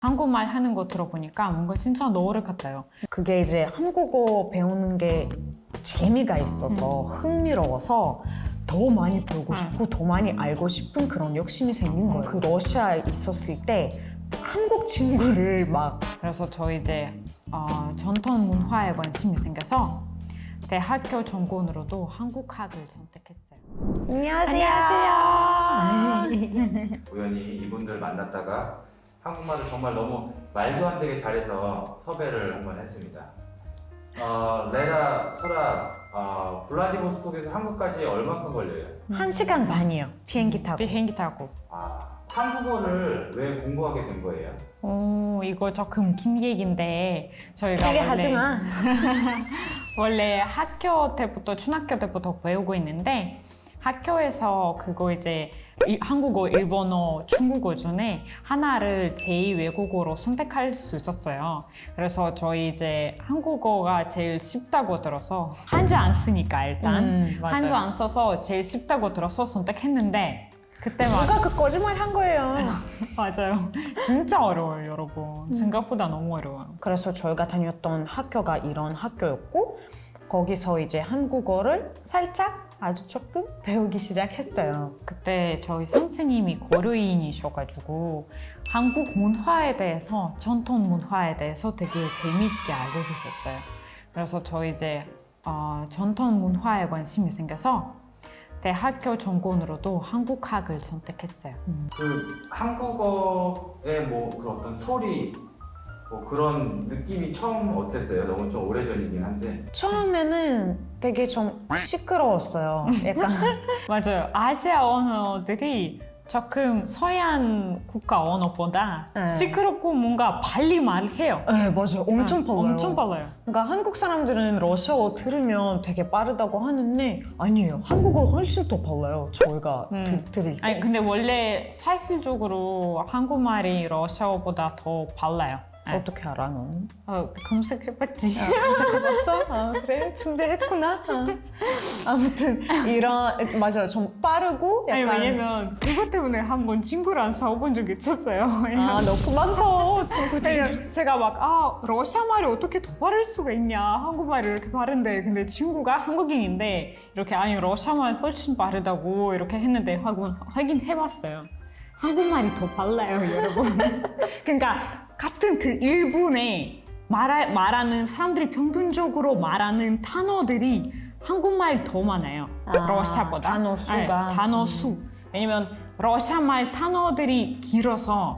한국말 하는 거 들어보니까 뭔가 진짜 노래 같아요. 그게 이제 한국어 배우는 게 재미가 있어서 흥미로워서 더 많이 배우고 싶고 더 많이 알고 싶은 그런 욕심이 생긴 거예요. 그 러시아에 있었을 때 한국 친구를 막 그래서 저 이제 전통 문화에 관심이 생겨서 대학교 전공으로도 한국학을 선택했어요. 우연히 이분들 만났다가 한국말을 정말 너무 말도 안 되게 잘해서 섭외를 한번 했습니다. 레라, 설아, 블라디보스톡에서 한국까지 얼마큼 걸려요? 1시간 반이요. 비행기 타고. 비행기 타고. 한국어를 왜 공부하게 된 거예요? 이거 조금 긴 얘기인데 저희가 크게 하지 마. 원래 학교 때부터 중학교 때부터 배우고 있는데 학교에서 그거 이제 한국어, 일본어, 중국어 중에 하나를 제2 외국어로 선택할 수 있었어요. 그래서 저희 이제 한국어가 제일 쉽다고 들어서 한자 안 쓰니까 일단 한자 안 써서 제일 쉽다고 들어서 선택했는데 그때 막 누가 그 거짓말 한 거예요. 맞아요. 진짜 어려워요, 여러분. 생각보다 너무 어려워요. 그래서 저희가 다녔던 학교가 이런 학교였고 거기서 이제 한국어를 살짝 아주 조금 배우기 시작했어요. 그때 저희 선생님이 고려인이셔가지고 한국 문화에 대해서, 전통 문화에 대해서 되게 재미있게 알려주셨어요. 그래서 저 이제 전통 문화에 관심이 생겨서 대학교 전공으로도 한국학을 선택했어요. 그 한국어의 그 어떤 소리, 그런 느낌이 처음 어땠어요? 너무 좀 오래전이긴 한데. 처음에는 되게 좀 시끄러웠어요. 약간 맞아요. 아시아 언어들이 조금 서양 국가 언어보다 시끄럽고 뭔가 빨리 말해요. 네, 맞아요. 엄청 빨라요. 엄청 빨라요. 그러니까 한국 사람들은 러시아어 들으면 되게 빠르다고 하는데 아니에요. 한국어 훨씬 더 빨라요. 저희가 들을 때. 아니 근데 원래 사실적으로 한국말이 러시아어보다 더 빨라요. 어떻게 알아, 너는? 검색해봤지. 검색해봤어? 그래? 준비했구나. 아무튼 맞아요. 좀 빠르고 약간. 아니 왜냐면 그것 때문에 한 번 친구랑 싸워본 적이 있었어요. 너 그만 서 친구들. 제가 막 러시아 말이 어떻게 더 빠를 수가 있냐, 한국말이 이렇게 빠른데, 근데 친구가 한국인인데 이렇게 아니 러시아 말 훨씬 빠르다고 이렇게 했는데 확인해봤어요. 한국말이 더 빨라요, 여러분. 그러니까 같은 그 1분에 말하는 사람들이 평균적으로 말하는 단어들이 한국말이 더 많아요. 러시아보다. 단어 수가. 단어 수. 왜냐면 러시아 말 단어들이 길어서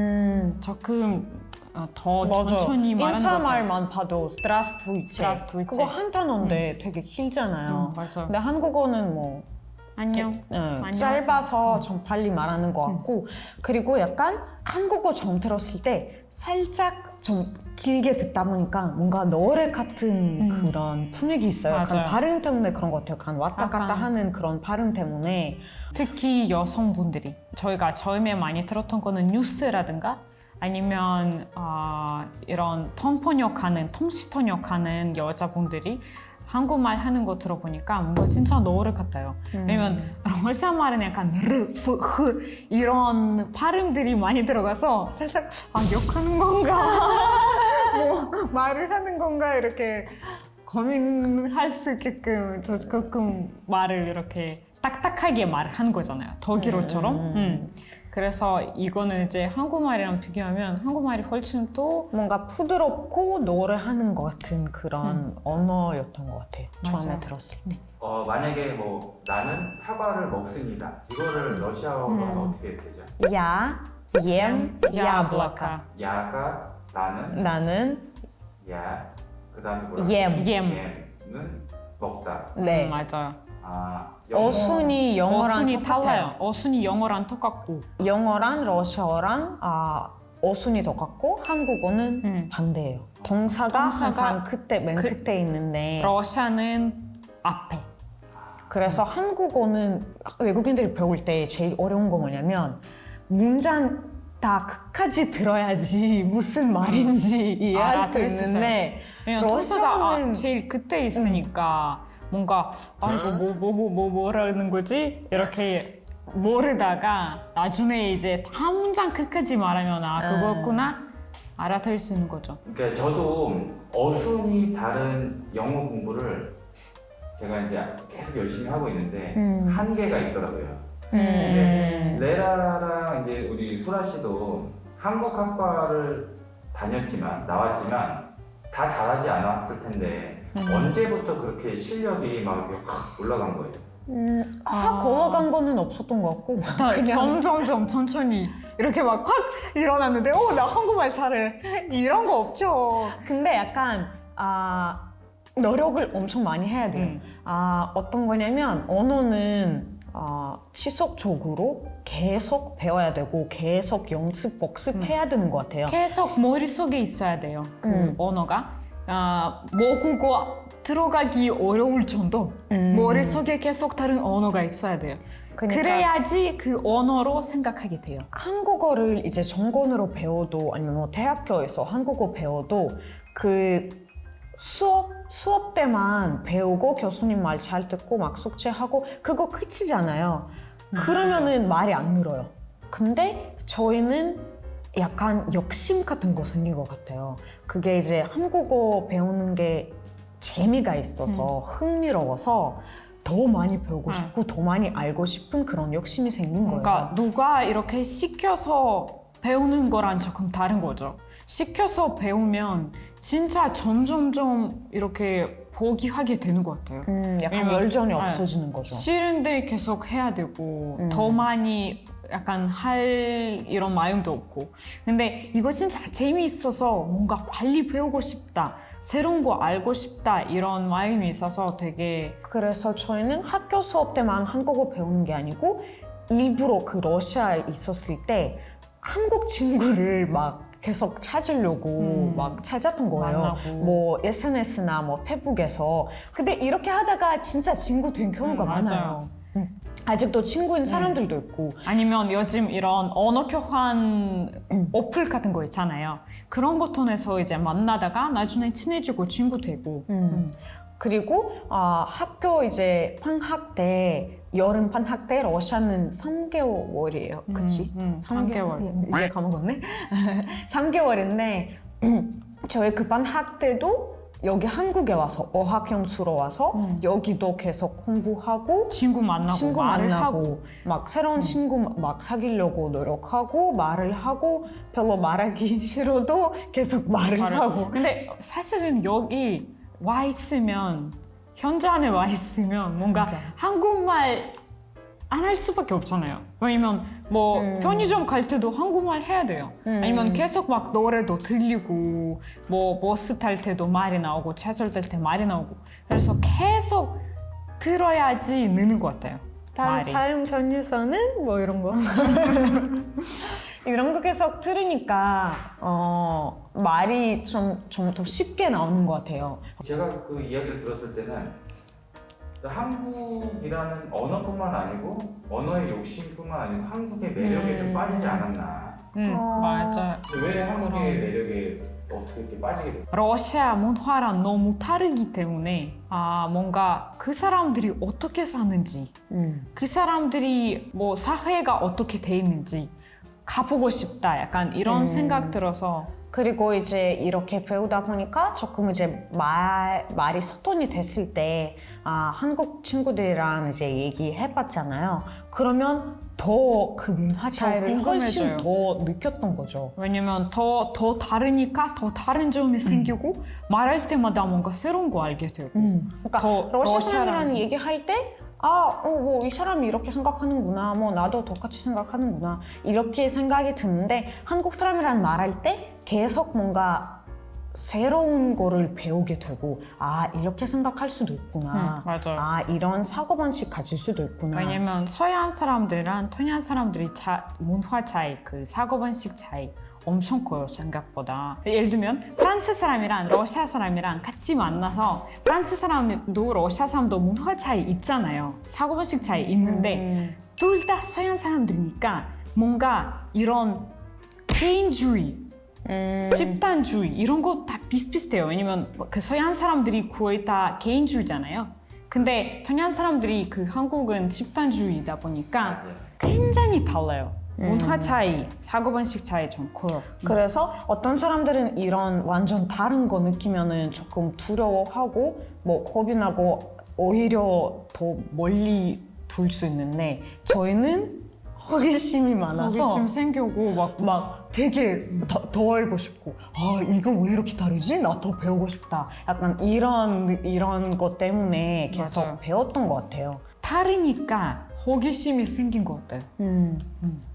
조금 더 천천히 말하는 것 같아요. 인사말만 봐도 Здравствуйте. 그거 한 단어인데 되게 길잖아요. 맞아요. 근데 한국어는 안녕. 짧아서 좀 빨리 말하는 것 같고 그리고 약간 한국어 처음 들었을 때 살짝 좀 길게 듣다 보니까 뭔가 노래 같은 그런 분위기 있어요. 약간 맞아요. 발음 때문에 그런 것 같아요. 약간 왔다 갔다 하는 그런 발음 때문에 특히 여성분들이 저희가 처음에 많이 들었던 거는 뉴스라든가 아니면 이런 통시 통역하는 여자분들이 한국말 하는 거 들어보니까 뭔가 진짜 노래 같아요. 왜냐면 러시아 말은 약간 르, 프, 흐 이런 발음들이 많이 들어가서 살짝 욕하는 건가? 말을 하는 건가? 이렇게 고민할 수 있게끔 조금 말을 이렇게 딱딱하게 말하는 거잖아요. 독일어처럼. 그래서 이거는 이제 한국말이랑 비교하면 한국말이 훨씬 또 뭔가 부드럽고 노래하는 것 같은 그런 언어였던 것 같아요. 처음에 맞아요. 들었을 때. 만약에 나는 사과를 먹습니다. 이거를 러시아어로는 어떻게 되죠? 야, ем, яблоко. 야가 나는, 나는 야, 그 다음에 뭐야? 엠. 엠은 먹다. 네. 맞아요. 어순이 영어랑 어순이 똑같아요. 달라요. 어순이 영어랑 똑같고 영어랑 러시아어랑 어순이 똑같고 한국어는 반대예요. 동사가 항상 맨 끝에 있는데 러시아는 앞에. 그래서 한국어는 외국인들이 배울 때 제일 어려운 거 뭐냐면 문장 다 끝까지 들어야지 무슨 말인지 이해할 수 알아들을 수 있는데 왜냐면 동사가 러시아는 제일 끝에 있으니까 뭔가 이거 뭐라는 거지? 이렇게 모르다가 나중에 이제 한 문장 끝까지 말하면 그거였구나? 알아들을 수 있는 거죠. 그러니까 저도 어순이 다른 영어 공부를 제가 이제 계속 열심히 하고 있는데 한계가 있더라고요. 근데 레라랑 이제 우리 수라 씨도 한국 학과를 나왔지만 다 잘하지 않았을 텐데 언제부터 그렇게 실력이 막 이렇게 확 올라간 거예요? 확 올라간 거는 없었던 것 같고 점점 천천히 이렇게 막 확 일어났는데 나 한국말 잘해 이런 거 없죠. 근데 약간 노력을 엄청 많이 해야 돼요. 어떤 거냐면 언어는 지속적으로 계속 배워야 되고 계속 연습 복습해야 되는 것 같아요. 계속 머릿속에 있어야 돼요. 그 언어가 모국어 들어가기 어려울 정도 머릿속에 계속 다른 언어가 있어야 돼요. 그러니까 그래야지 그 언어로 생각하게 돼요. 한국어를 이제 전공으로 배워도 아니면 뭐 대학교에서 한국어 배워도 그 수업 때만 배우고 교수님 말 잘 듣고 막 숙제하고 그거 끝이잖아요. 그러면은 말이 안 늘어요. 근데 저희는 약간 욕심 같은 거 생긴 것 같아요. 그게 이제 한국어 배우는 게 재미가 있어서 흥미로워서 더 많이 배우고 싶고 더 많이 알고 싶은 그런 욕심이 생긴 거예요. 그러니까 누가 이렇게 시켜서 배우는 거랑 조금 다른 거죠. 시켜서 배우면 진짜 점점점 이렇게 포기하게 되는 것 같아요. 약간 왜냐면, 열정이 없어지는 거죠. 싫은데 계속 해야 되고 더 많이 약간 할 이런 마음도 없고. 근데 이거 진짜 재미있어서 뭔가 빨리 배우고 싶다. 새로운 거 알고 싶다 이런 마음이 있어서 되게 그래서 저희는 학교 수업 때만 한국어 배우는 게 아니고 일부러 그 러시아에 있었을 때 한국 친구를 막 계속 찾으려고 막 찾았던 거예요. 만나고. 뭐 SNS나 뭐 페북에서. 근데 이렇게 하다가 진짜 친구 된 경우가 많아요. 아직도 친구인 사람들도 있고. 아니면 요즘 이런 언어 교환 어플 같은 거 있잖아요. 그런 거 통해서 이제 만나다가 나중에 친해지고 친구 되고. 그리고 학교 이제 방학 때 여름 방학 때 러시아는 3개월이에요. 그치? 3개월. 이제 까먹었네. 3개월인데 저희 그 방학 때도 여기 한국에 와서 어학연수로 와서 여기도 계속 공부하고 친구 만나고 말을 하고 막 새로운 친구 막 사귀려고 노력하고 말을 하고 별로 말하기 싫어도 계속 말을 하고. 근데 사실은 여기 와 있으면 현장에 와 있으면 뭔가 맞아. 한국말 안 할 수밖에 없잖아요. 왜냐면 뭐 편의점 갈 때도 한국말 해야 돼요. 아니면 계속 막 노래도 들리고 뭐 버스 탈 때도 말이 나오고 지하철 탈 때 말이 나오고 그래서 계속 들어야지 느는 것 같아요. 말이. 다음 전유서는 뭐 이런 거. 이런 거 계속 들으니까 말이 좀 더 쉽게 나오는 것 같아요. 제가 그 이야기를 들었을 때는 한국이라는 언어뿐만 아니고 언어의 욕심뿐만 아니고 한국의 매력에 좀 빠지지 않았나. 맞아요. 왜 한국의 매력에 어떻게 이렇게 빠지게 됐어요? 러시아 문화랑 너무 다르기 때문에 뭔가 그 사람들이 어떻게 사는지 그 사람들이 뭐 사회가 어떻게 돼 있는지 가보고 싶다 약간 이런 생각 들어서 그리고 이제 이렇게 배우다 보니까 조금 이제 말이 소통이 됐을 때 한국 친구들이랑 이제 얘기해봤잖아요. 그러면 더 그 문화 차이를 훨씬 더 느꼈던 거죠. 왜냐면 더 다르니까 더 다른 점이 생기고 말할 때마다 뭔가 새로운 거 알게 되고 그러니까 러시아 사람이랑 얘기할 때 뭐 이 사람이 이렇게 생각하는구나, 뭐 나도 똑같이 생각하는구나 이렇게 생각이 드는데 한국 사람이랑 말할 때 계속 뭔가 새로운 거를 배우게 되고 이렇게 생각할 수도 있구나. 맞아요. 이런 사고방식 가질 수도 있구나. 왜냐면 서양 사람들이랑 동양 사람들이 문화 차이, 그 사고방식 차이 엄청 커요, 생각보다. 예를 들면 프랑스 사람이랑 러시아 사람이랑 같이 만나서 프랑스 사람도 러시아 사람도 문화 차이 있잖아요. 사고방식 차이 있는데 둘 다 서양 사람들이니까 뭔가 이런 개인주의 집단주의 이런 거 다 비슷비슷해요. 왜냐면 그 서양 사람들이 거의 다 개인주의잖아요. 근데 동양 사람들이 그 한국은 집단주의이다 보니까 굉장히 달라요. 문화 차이, 사고방식 차이 좀 커요. 그래서 어떤 사람들은 이런 완전 다른 거 느끼면은 조금 두려워하고 뭐 겁이 나고 오히려 더 멀리 둘 수 있는데 저희는 호기심이 많아서 호기심 생기고 막 되게 더 알고 싶고 아 이거 왜 이렇게 다르지? 나 더 배우고 싶다. 약간 이런 것 때문에 계속 맞아요. 배웠던 것 같아요. 다르니까 호기심이 생긴 것 같아요.